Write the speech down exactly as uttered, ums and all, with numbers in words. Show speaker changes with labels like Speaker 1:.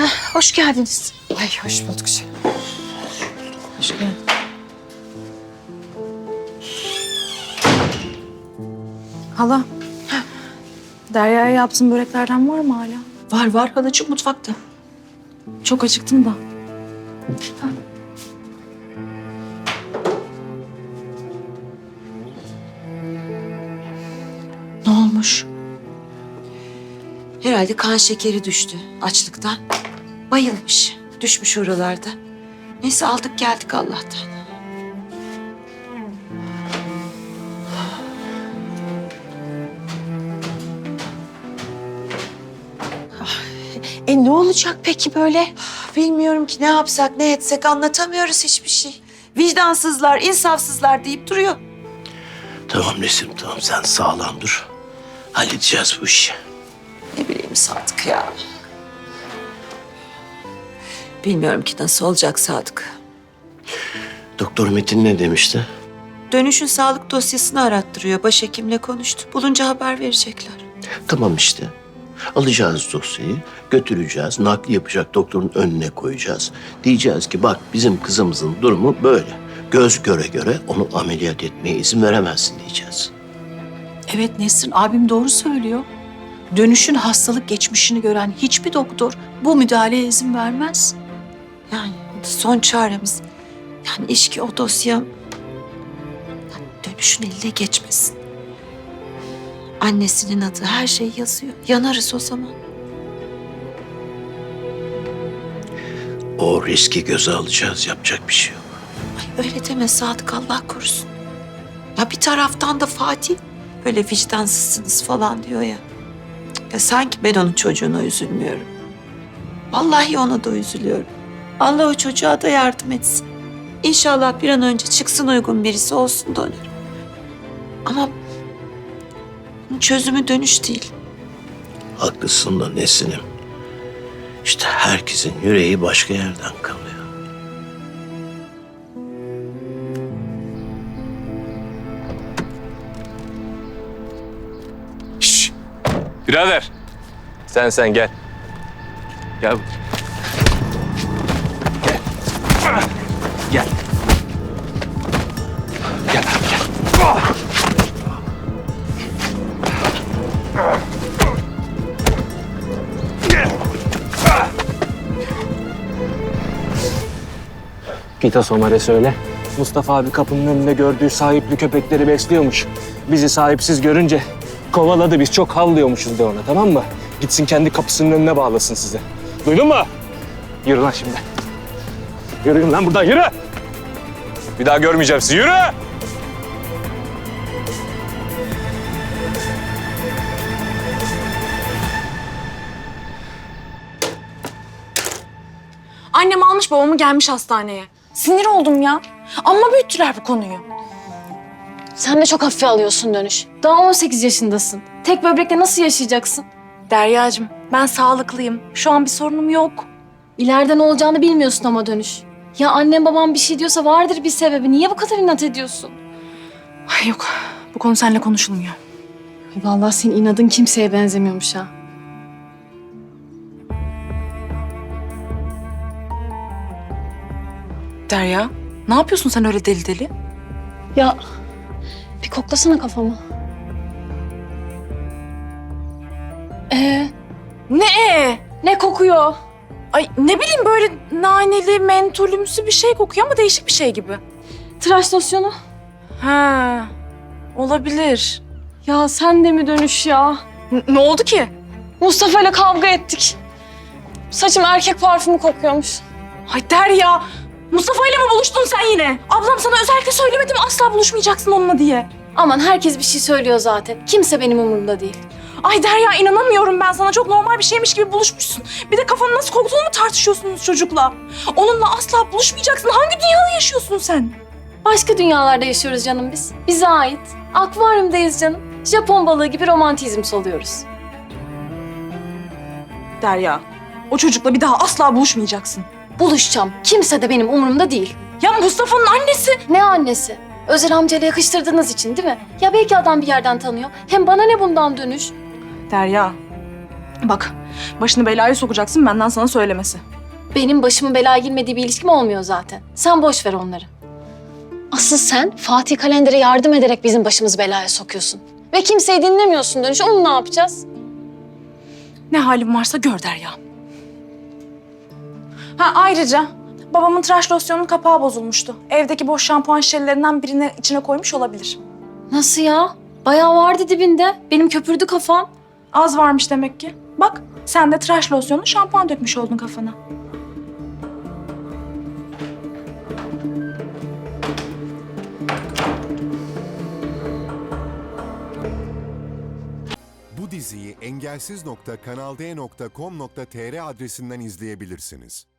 Speaker 1: Heh, hoş geldiniz.
Speaker 2: Ay hoş bulduk canım.
Speaker 1: Hoş geldin. Hala. Derya'ya yaptığın böreklerden var mı hala?
Speaker 2: Var var halacığım mutfakta.
Speaker 1: Çok acıktım da.
Speaker 2: Ne olmuş? Herhalde kan şekeri düştü açlıktan. Bayılmış. Düşmüş oralarda. Neyse aldık geldik Allah'tan.
Speaker 1: E ne olacak peki böyle?
Speaker 2: Bilmiyorum ki ne yapsak ne etsek anlatamıyoruz hiçbir şey. Vicdansızlar, insafsızlar deyip duruyor.
Speaker 3: Tamam Nesim, tamam. Sen sağlam dur. Halledeceğiz bu işi.
Speaker 2: Ne bileyim Sadık ya. Bilmiyorum ki nasıl olacak Sadık.
Speaker 3: Doktor Metin ne demişti?
Speaker 2: Dönüşün sağlık dosyasını arattırıyor. Başhekimle konuştu. Bulunca haber verecekler.
Speaker 3: Tamam işte. Alacağız dosyayı, götüreceğiz, nakli yapacak doktorun önüne koyacağız. Diyeceğiz ki bak bizim kızımızın durumu böyle. Göz göre göre onu ameliyat etmeye izin veremezsin diyeceğiz.
Speaker 4: Evet Nesrin, abim doğru söylüyor. Dönüşün hastalık geçmişini gören hiçbir doktor bu müdahaleye izin vermez.
Speaker 2: Yani son çaremiz. Yani iş ki o dosya yani dönüşün eline geçmesin. Annesinin adı, her şey yazıyor. Yanarız o zaman.
Speaker 3: O riski göze alacağız, yapacak bir şey yok.
Speaker 2: Ay öyle deme Sadık, Allah korusun. Ya bir taraftan da Fatih böyle vicdansızsınız falan diyor ya. Cık, ya sanki ben onun çocuğuna üzülmüyorum. Vallahi ona da üzülüyorum. Allah o çocuğa da yardım etsin. İnşallah bir an önce çıksın, uygun birisi olsun da ölür. Ama bunun çözümü dönüş değil.
Speaker 3: Haklısın da Nesin'im. İşte herkesin yüreği başka yerden kalıyor.
Speaker 5: Şşş! Birader. Sen sen gel. Gel. Gel. Gel. Gel abi gel.
Speaker 6: Git Asomar'e söyle. Mustafa abi kapının önünde gördüğü sahipli köpekleri besliyormuş. Bizi sahipsiz görünce kovaladı, biz çok havlıyormuşuz de ona, tamam mı? Gitsin kendi kapısının önüne bağlasın sizi. Duydun mu? Yürü lan şimdi. Yürüyün lan buradan, yürü!
Speaker 5: Bir daha görmeyeceğim sizi. Yürü!
Speaker 1: Annem almış babamı gelmiş hastaneye. Sinir oldum ya. Amma büyüttüler bu konuyu.
Speaker 7: Sen de çok hafife alıyorsun Dönüş. Daha on sekiz yaşındasın. Tek böbrekle nasıl yaşayacaksın?
Speaker 1: Deryacığım ben sağlıklıyım. Şu an bir sorunum yok.
Speaker 7: İleride ne olacağını bilmiyorsun ama Dönüş. Ya annem babam bir şey diyorsa vardır bir sebebi. Niye bu kadar inat ediyorsun?
Speaker 1: Ay yok bu konu seninle konuşulmuyor.
Speaker 7: Ay vallahi senin inadın kimseye benzemiyormuş ha.
Speaker 1: Derya ne yapıyorsun sen öyle deli deli?
Speaker 7: Ya bir koklasana kafamı. Ee,
Speaker 1: Ne ee?
Speaker 7: ne kokuyor?
Speaker 1: Ay ne bileyim böyle naneli, mentolümsü bir şey kokuyor ama değişik bir şey gibi.
Speaker 7: Tıraş losyonu.
Speaker 1: Ha, olabilir.
Speaker 7: Ya sen de mi Dönüş ya?
Speaker 1: N- ne oldu ki?
Speaker 7: Mustafa ile kavga ettik. Saçım erkek parfümü kokuyormuş.
Speaker 1: Ay Derya, Mustafa ile mi buluştun sen yine? Ablam sana özellikle söylemedi mi asla buluşmayacaksın onunla diye?
Speaker 7: Aman herkes bir şey söylüyor zaten. Kimse benim umurumda değil.
Speaker 1: Ay Derya inanamıyorum ben sana. Çok normal bir şeymiş gibi buluşmuşsun. Bir de kafanın nasıl koktuğunu mu tartışıyorsunuz çocukla? Onunla asla buluşmayacaksın. Hangi dünyada yaşıyorsun sen?
Speaker 7: Başka dünyalarda yaşıyoruz canım biz. Bize ait. Akvaryumdayız canım. Japon balığı gibi romantizm soluyoruz.
Speaker 1: Derya, o çocukla bir daha asla buluşmayacaksın.
Speaker 7: Buluşacağım. Kimse de benim umurumda değil.
Speaker 1: Ya Mustafa'nın annesi.
Speaker 7: Ne annesi? Özel amcayla yakıştırdığınız için değil mi? Ya belki adam bir yerden tanıyor. Hem bana ne bundan Dönüş?
Speaker 1: Derya, Bak, başını belaya sokacaksın benden sana söylemesi.
Speaker 7: Benim başımın belaya girmediği bir ilişkim olmuyor zaten. Sen boş ver onları. Asıl sen Fatih Kalender'e yardım ederek bizim başımızı belaya sokuyorsun. Ve kimseyi dinlemiyorsun dönüş. Onu ne yapacağız?
Speaker 1: Ne halim varsa gör Derya. Ha ayrıca babamın tıraş losyonunun kapağı bozulmuştu. Evdeki boş şampuan şişelerinden birini içine koymuş olabilir.
Speaker 7: Nasıl ya? Bayağı vardı dibinde. Benim köpürdü kafam.
Speaker 1: Az varmış demek ki. Bak sen de tıraş losyonunu şampuan dökmüş oldun kafana.
Speaker 8: Bu diziyi engelsiz nokta kanal d nokta com nokta tr adresinden izleyebilirsiniz.